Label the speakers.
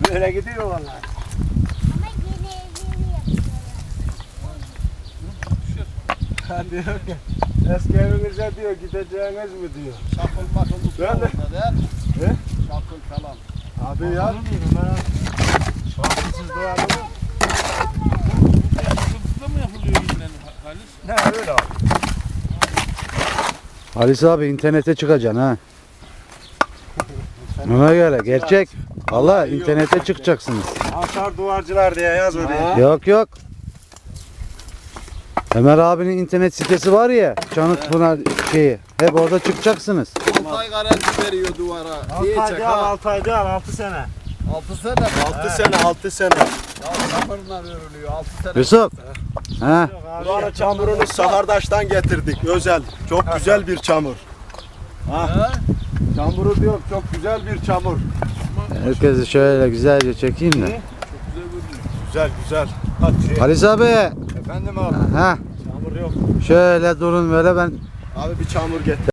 Speaker 1: Böyle gidiyor vallahi.
Speaker 2: Ama yeni evleri yapıyorlar.
Speaker 1: Ha diyor ki eski evinize diyor gideceğiniz mi diyor.
Speaker 3: Şakıl bakıl tutuyor
Speaker 1: Ben de-
Speaker 3: orada değil mi?
Speaker 1: He?
Speaker 3: Şakıl falan.
Speaker 1: Abi ya. Şarkısız dua mı?
Speaker 4: Sıkıntıda mı yapılıyor yine Halis?
Speaker 1: Ne öyle abi.
Speaker 5: Halis abi internete çıkacaksın ha. Ona göre gerçek. Allah internete çıkacaksınız.
Speaker 1: Aşar duvarcılar diye yaz oraya.
Speaker 5: Yok yok. Ömer abinin internet sitesi var ya. Çanıkpınar şeyi. Hep orada çıkacaksınız.
Speaker 3: 6 ay garanti veriyor duvara.
Speaker 1: 6
Speaker 3: Diyecek
Speaker 1: ay al,
Speaker 3: ha.
Speaker 1: 6 ay al, 6 sene.
Speaker 3: 6 sene mi?
Speaker 1: 6 sene, 6 sene.
Speaker 3: Ya sıfırla örülüyor 6 sene.
Speaker 5: Yusuf. Ha?
Speaker 1: Buranın çamurunu Sahardaş'tan getirdik özel. Çok güzel bir çamur.
Speaker 3: Ha?
Speaker 1: Çamuru diyor çok güzel bir çamur.
Speaker 5: Herkesi şöyle güzelce çekeyim de.
Speaker 1: Güzel güzel. Hadi.
Speaker 5: Halis abi.
Speaker 1: Efendim abi.
Speaker 5: Ha?
Speaker 1: Çamur yok.
Speaker 5: Şöyle durun böyle ben
Speaker 1: Abi bir çamur getir.